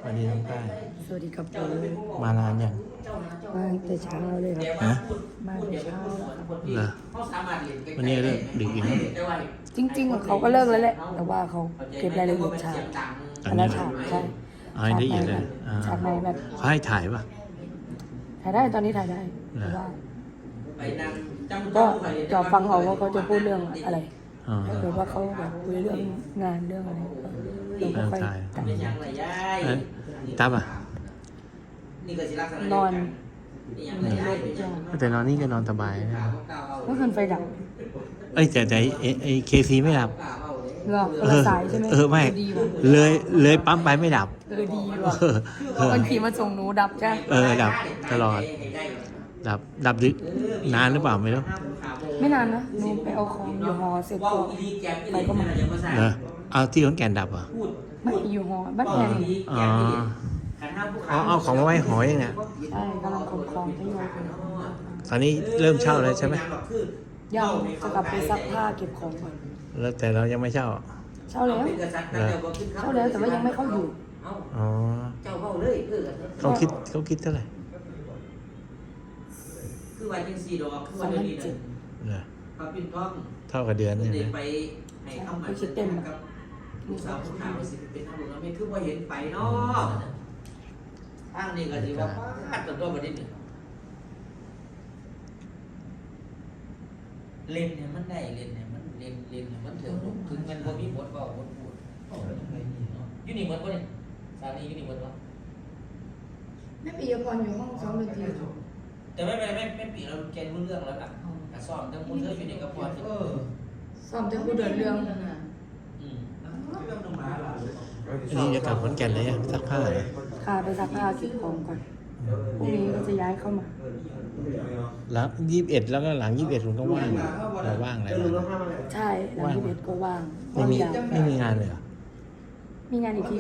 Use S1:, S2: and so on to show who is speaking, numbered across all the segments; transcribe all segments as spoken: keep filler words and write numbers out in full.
S1: วัสดีน้องป้าย
S2: สวัสดีครับผม
S1: มานานยัง
S2: มาแต่เช้าเลยครับ
S1: ฮะ
S2: มาแต่เช้าแล้วครับ
S1: เหรอวันนี้เลิกดึกอีกแล้ว
S2: จริงๆเขาก็เลิกแล้วแหละแต่ว่าเขาเก็บรายละเอียดฉากแต่ละฉากใช่
S1: เอาให้ละเอียดเลยอ่า
S2: ฉากไหนแบบ
S1: เขาให้ถ่ายป่ะ
S2: ถ่ายได้ตอนนี้ถ่ายได้
S1: เหรอ
S2: แต่ว่าก็จะฟังเอาว่าเขาจะพูดเรื่องอะไร
S1: อ๋อ
S2: หรือว่าเขาแบบคุยเรื่องงานเรื่องอะไรเราก็ค่อยตัด
S1: เอ้ยตับอ่ะ
S2: นอนในรถจ้ะ
S1: แต่นอนนี่ก็นอนสบายนะ
S2: เมื่อคืนไฟดับ
S1: เอ้ยแต่แต่ไอ้ไอ้เคซีไม่ดับ
S2: เหรอคนละสายใช่ไหม
S1: เออไม่
S2: ดีว่ะ
S1: เลยเลยปั๊มไปไม่ดับ
S2: เออดีว่ะ
S1: เออเออ
S2: คนขี่มาส่งหนูดับใช่
S1: เออดับตลอด ดับดับดึกนานหรือเปล่าไม่รู้
S2: ไม่นานนะหนูไปเอาของอยู่หอเสร็จก็ไปก็มา
S1: เหรอเอาที่ขอนแก่นดับเหรอ
S2: ไม่อยู่หอบ้านแพง
S1: อ๋อเอาเอาของมาไว้หอยเนี่ย
S2: ใช่กำลังขนของทยอยไป
S1: ตอนนี้เริ่มเช่าแล้วใช่ไหม
S2: ยังจะกลับไปซักผ้าเก็บของก่อน
S1: แล้วแต่เรายังไม่เช่า
S2: เช่าแล้ว
S1: เหรอ
S2: เช่าแล้วแต่ว่ายังไม่เข้าอยู่
S1: อ๋อเขาคิดเขาคิดเท่าไหร่
S3: คือว่าจังซี่ดอกคือ
S2: สอ
S3: ว่าง เดี๋
S2: พั
S3: ยวน นี้
S2: เจ็ด
S1: เหรอ
S3: ครับพี่ท้อง
S1: เท่ากับเดือนนี่
S3: เด็
S1: นะ
S3: ไปให้คำมั่นสัญญากับลูกสาวผู้ขาวสิเป็นตำรวจแล้วไม่คือว่าเห็นไปเนาะทางนี้ก็สิว่าพลาดตัวตัวประเด็นนึงเล่นเนี่ยมันได้เล่นเนี่ยมันเล่นเล่นเนี่ยมันถึงถึงมันบ่มีบทเว้าบทพูดเอ้าจังไดนี่เนาะอยู่นี่เหมือนบ่เนี่ยสาลีอยู่นี่เหมือนบ่
S2: แม่ปียพรอยู่ห้องซ้อมดนตรี
S3: แต่ไม่ไม่ไม่ไม่ปีเราแกรู้เรื่องแล้วล่ะแต่ซ้อมทั้งหมดเธออยู่ในกระเพาะเออ
S2: ซ้อมจะพูดเดินเรื่อง
S3: อืม
S1: อันนี้จะกลับขอนแก่นเลยยังซักผ้าเหรอ
S2: ค่ะไปซักผ้าเก็บของก่อนพรุ่งนี้ก็จะย้ายเข้ามา
S1: แล้วยี่สิบเอ็ดแล้วก็หลังยี่สิบเอ็ดผมก็ว่างเราว่างอะไรบ้าง
S2: ใช่หลังที่เบ็ดก็ว่าง
S1: ไม่มี
S2: ว่างยาว
S1: ไม่มีงานเลยเหรอ
S2: มีงานอีกที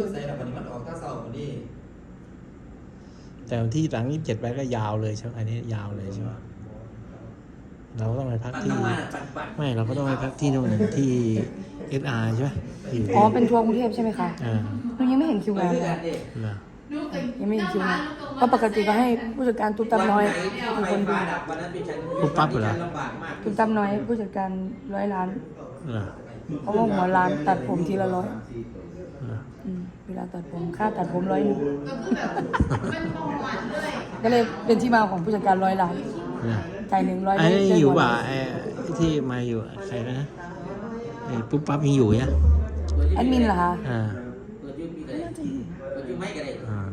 S1: แต่วันที่หลังยี่สิบเจ็ดไปก็ยาวเลยใช่ไหมอันนี้ยาวเลยใช่ไหมเราก็ต้องไปพักที่ ไม่เราก็ต้องไปพักที่นู่นที่เอสอาร์ใช่ไหมอยู่
S2: อ๋อเป็นทัวร์กรุงเทพใช่ไหมคะ
S1: อ่า
S2: หนูยังไม่เห็นคิวงานเลย
S1: เหรอ
S2: ยังไม่เห็นคิวงานเพราะปกติก็ให้ผู้จัดการตุ๊กตาน้อยเป็นคนดู
S1: ปุ๊บปั๊บเหรอ
S2: ตุ๊กตาน้อยผู้จัดการร้อยล้าน
S1: เหรอ
S2: เพราะว่าหัวร้านตัดผมทีละร้อย
S1: เหรอ
S2: อืมเวลาตัดผมค่าตัดผมร้อยหนึงก็เลยเป็นที่มาของผู้จัดการร้อยล้าน
S1: เหรอ
S2: จ่ายหนึ่งร้อย
S1: ไอ้นี่อยู่ป่ะไอ้ที่มาอยู่ใครนะไอ้ปุ๊บปั๊บยังอยู่เนี่ย
S2: แอดมินเหรอคะ
S1: อ่า
S3: เปิดยูปีก็ได้เปิดยูไม่ก็ได้
S1: อ่า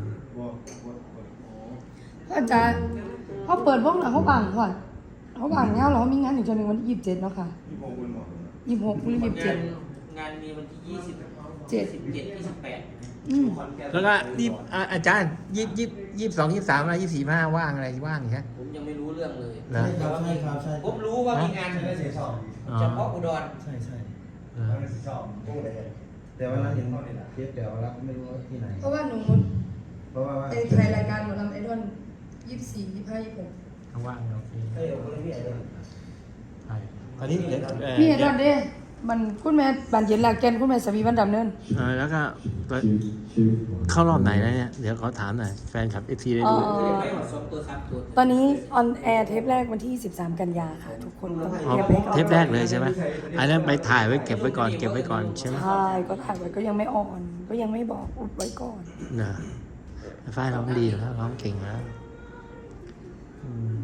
S2: ก็จะเขาเปิดวงแล้วเขาบังก่อนเขาบังแล้วเรามีงานอีกจนหนึ่งวันที่ยี่สิบเจ็ดเนาะค่ะยี่สิบหกหรือยี่สิบเจ็ด
S3: งานมีวันที่ยี่สิบ
S2: เจ็ด
S3: สิบเจ็ดยี่สิบแปด
S2: อืม
S1: แล้วก็ยี่อ่าอาจารย์ยี่ยี่ยี่สิบสองยี่สิบสามอะไรยี่สิบสี่ห้าว่างอะไรว่างใช่ไหม
S3: ผมยังไม่รู้เรื่องเลย
S1: เหรอ
S4: ใช่ครับใช่ครับใช่
S3: ผมรู้ว่ามีงาน
S4: ใช่ใช่ชอบ
S1: อ๋อ
S3: เฉพาะอุดร
S4: ใช่ใช่
S1: เหรอ
S4: ชอบแต่ว่าเราเห็นคลิปแต่ว่าเราไม่รู้ว่าที่ไหน
S2: เพราะว่าหนู
S4: เพราะว่าว่า
S2: ไอ้ถ่ายรายการหมอลำไอดอลยี่สิบสี่ยี่สิบห้ายี่สิบหก
S1: ว่างโอเค
S4: เฮ้ยเอาเลยพี่ไอ้เด้อ
S1: ใช่ตอนนี้เดี๋ยวเอ่อ
S2: มีไอ
S1: เดี๋
S2: ด
S1: ยว
S2: อลเด้มันคุณแม่บานเย็นหลักแกนคุณแม่สวีวันดำเนิน
S1: เออแล้วก็เข้ารอบไหนแล้วเนี่ย เดี๋ยวขอถามหน่อยแฟนคลับเอฟซีได้
S2: เอ่
S1: ดู
S2: อ
S3: ไม่หมดสองตัวสามตัว
S2: ตอนนี้ออนแอร์เทปแรกวันที่สิบสามกันยาค่ะ ทุกคนต้อง
S1: อ๋อ
S2: เก็บไว้ก่อน
S1: เทปแรกเลยใช่ไหมอันนั้นไปถ่ายไว้เก็บไว้ก่อนเก็บไว้ก่อนใช่ไหม
S2: ใช่ก็ถ่ายไว้ก็ยังไม่ออน ก็ยังไม่บอกอุบไว้ก่อน
S1: เนอะฝ้ายร้องดีแล้วร้องเก่งแล้วอืม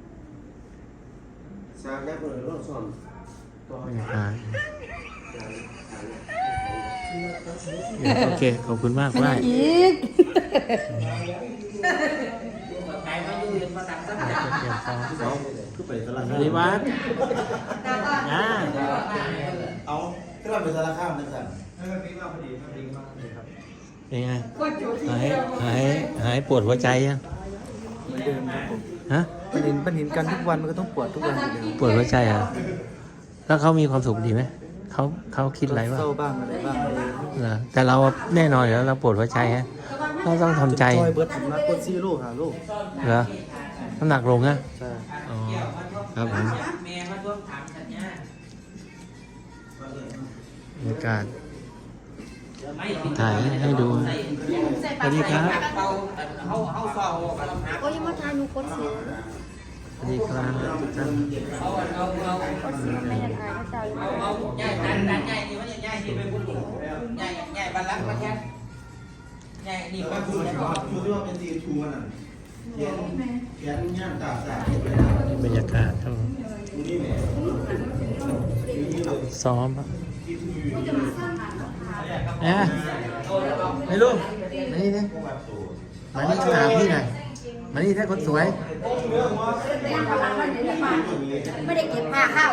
S4: สร้างแรกเลยเราสอนตัว
S1: อ่าโอเค ขอบคุณมาก
S2: ไม่
S1: ฝ้าย
S2: อีก
S3: ใครมาอยู่เรียนภาษาสักอย่าง
S1: เก็บของ
S4: เขาคือไปตลาด
S1: สวัสดีวัดนะ
S4: เอาที่เราไปตลาดข้ามนั่นสั่น
S1: เป็นไงหายหายหายปวดหัวใจยัง
S5: เหมือนเดิมครับผม
S1: ฮะ
S5: มันเห็นมันเห็นกันทุกวันมันก็ต้องปวดทุกวันอยู่แล้ว
S1: ปวดหัวใจเหรอ่ะแล้วเขามีความสุขดีไหมเขาเขาคิดอะไรบ้าง
S5: เศร้าบ้างอะไรบ้าง
S1: เหรอแต่เราแน่นอนอยู่แล้วเราปวดหัวใจฮะเราต้องทำใจ
S5: จอยเบิร์ดผมนักกดซีโร่หาลูก
S1: เหรอน้ำหนักลงนะ
S5: ใช่
S1: อ๋อครับผม
S3: แม่มาทวงถามสัญญา
S1: บรรยากาศถ่ายให้ดูสวัสดีครับ
S3: เขาเขาเฝ้ากันหา
S2: โอ้ยมาทานหนูคนเสีย
S1: สวัสดีครับทุกท่าน
S3: เอาเอาเอา
S2: คนเสียไม่อยากทานก็ใจ
S3: เอาเอาใหญ่ดันดันใหญ่นี่มันใหญ่ที่เป็นผู้หญิงใหญ่ใหญ่บรรลักมันแค่ใหญ่นี่ก็คือ
S4: ชูที่ว่าเป็นซีทูน่ะเขียนเขียนย่างตาสา
S1: บรรยากาศครับผม
S4: นี่แหละนี่เลย
S1: ซ้อมครับ
S4: ซีทูอยู่นี่
S1: เอ๊ะไม่รู้มานี่นะมานี่มาหาพี่หน่อยมานี่ถ้าคนสวย
S2: ไม่ได้เก็บผ้าเข้า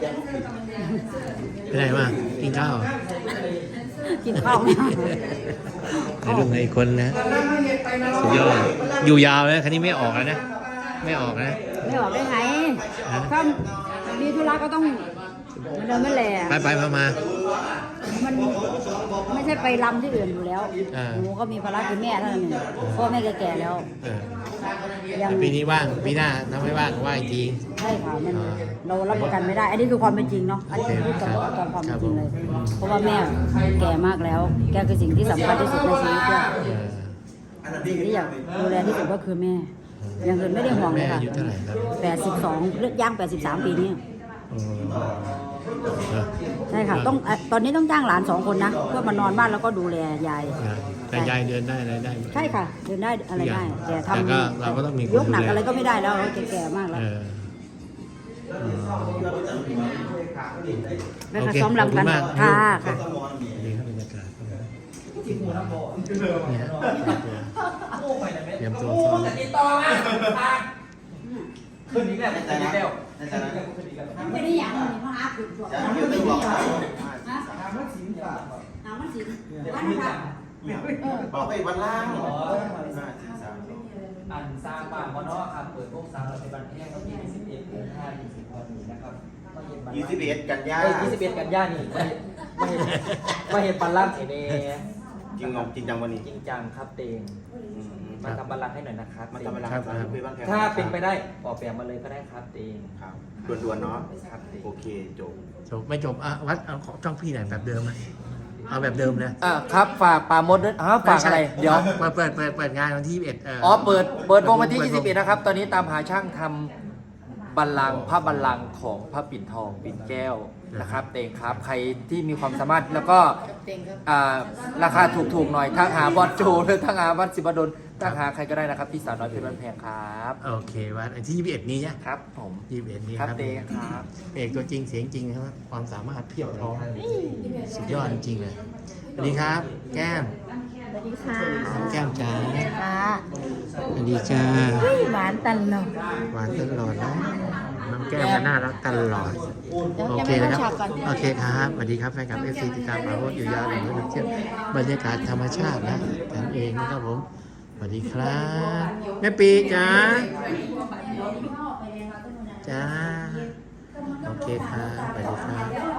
S1: ไปไหนมากินข้าวเหรอ
S2: กินข้าวไม่ได้
S1: ในรุ่นในคนนะสุดยอดอยู่ยาวเลยคันนี้ไม่ออกแล้วนะ ไม่ออกนะ
S2: ไม่ออกได้ไงถ้ามีธุระก็ต้องมันเดินไม่แหล่
S1: ไปไปมามา
S2: มันไม่ใช่ไปรำที่อื่นอยู่แล้ว
S1: อ่า
S2: หนูก็มีภาระคือแม่เท่านั้นเองพ่อแม่แก่ๆแล้ว
S1: เออ
S2: ยัง
S1: แต่ปีนี้ว่างปีหน้าถ้าไม่ว่างก็ว่างอีกที
S2: ใช่ค่ะมัน
S1: อ่า
S2: เรารับประกันไม่ได้ อันนี้คือความเป็นจริงเนาะอันนี้คือพูดตามตามความเป็นจริงเลย เพราะว่าแม่แก่มากแล้ว แกคือสิ่งที่สำคัญที่สุดในชีวิตด้วย
S1: เออ
S2: สิ่งที่อยากดูแลที่สุดก็คือแม่อย่างอื่นไม่ได้ห่วงเล
S1: แม่
S2: ยค่ะ
S1: อายุเท่าไหร่ครับ
S2: แปดสิบสองเลือกย่างแปดสิบสามปีนี้
S1: เออเออ
S2: ใช่ค่ะต้องเอ่อตอนนี้ต้องจ้างหลานสองคนนะเพื่อมานอนบ้านแล้วก็ดูแลยาย
S1: แต่ยายเดินได้อะไรได้
S2: ใช่ค่ะเดินได้อะไรได้แต่ท
S1: แต่ก็เราก็ต้องมีคน
S2: ำยกหนัก
S1: ดูแล
S2: อะไรก็ไม่ได้แล้วเราแก่ๆมากแล้ว
S1: เออเออ
S2: แม่
S1: โอ
S2: ค่ะ
S1: เค
S2: ซ้อมรำกัน
S1: ขอบคุณมาก
S2: ค่ะค่ะ
S1: นี่ครับบรรยากาศครับเนี่ยเตรียมตัวซ้อม
S3: ติดต่อมาขึ้นนี้แหละขึ้นนี้แล้ว
S4: ในฐานะ
S2: ไม่ได้อย่างนี้มาอาบตัว
S4: จะเกี่ยวกับบอก
S2: ฮะหามันสินหามันสินวันนั้น
S4: บอกไปวันล่าง
S3: อันสร้างบ้านก็เนาะครับเปิดพวกสร้างเราในบันแห้งก็ยี่สิบเอ็ดเดือนห้ายี่สิบวันนี้นะครับก็เห็นบัน
S4: ยี่สิบเอ็ดกันยา
S3: เอ้ยยี่สิบเอ็ดกันยานี่ไม่ไม่เห็นไม่เห็นบันลังเอเน
S4: จริงงจริงจังวันนี้
S3: จริงจังครับเตงมาทำบัลลังก์ให้หน่อยนะครับ
S4: มันทำเวลาครับคุยบ้างแค่
S3: ถ้าเป็นไปได้ออกแบบมาเลยก็ได้ครับเตง
S4: ครับด่วนๆเนาะ
S3: ครับเตง
S4: โอเคจบ
S1: จบไม่จบอ่ะวัดเอาของจ้องพี่หน่อยแบบเดิมไหมเอาแบบเดิมนะ
S3: อ่าครับฝากปาโมดด้วยอ้าวฝากอะไรเดี๋ยว
S1: เปิดเปิดเปิดเปิดงานวันที่ยี่สิบเอ็ด
S3: อ๋อเปิดเปิดวงวันที่ยี่สิบเอ็ดนะครับ ตอนนี้ตามหาช่างทำบัลลังก์พระบัลลังก์ของพระปิ่นทองปิ่นแก้วนะครับ เตงครับ ใครที่มีความสามารถแล้วก็อ่าราคาถูกๆหน่อยทักหาบอสโจหรือทักหาวัดสิบดลทักหาใครก็ได้นะครับที่สาวน้อยเพชรบ้านแพงครับ
S1: โอเควันที่ยี่สิบเอ็ดนี้เนี่ย
S3: ครับผม
S1: ยี่สิบเอ็ดนี้
S3: ครับ
S1: ครับ
S3: เตงครับ
S1: เอกตัวจริงเสียงจริงครับความสามารถเพียบพร้อมสุดยอดจริงๆเลยสวัสดีครับ แก้ม
S2: สวัสดีค่ะ
S1: น้องแก้มจ๋า
S2: ค่ะ
S1: สวัสดีจ้า
S2: หวานตันเนาะ
S1: หวานตลอดนะน้องแก้มก็น่ารักตลอดโอเคนะครับโอเคครับสวัสดีครับแฟนคลับเอฟซีติดตามมาโพสอยู่ยาวหรือว่าเที่ยวบรรยากาศธรรมชาตินะกันเองนะครับผมสวัสดีครับแม่ปีจ๋าจ้าโอเคครับสวัสดีครับ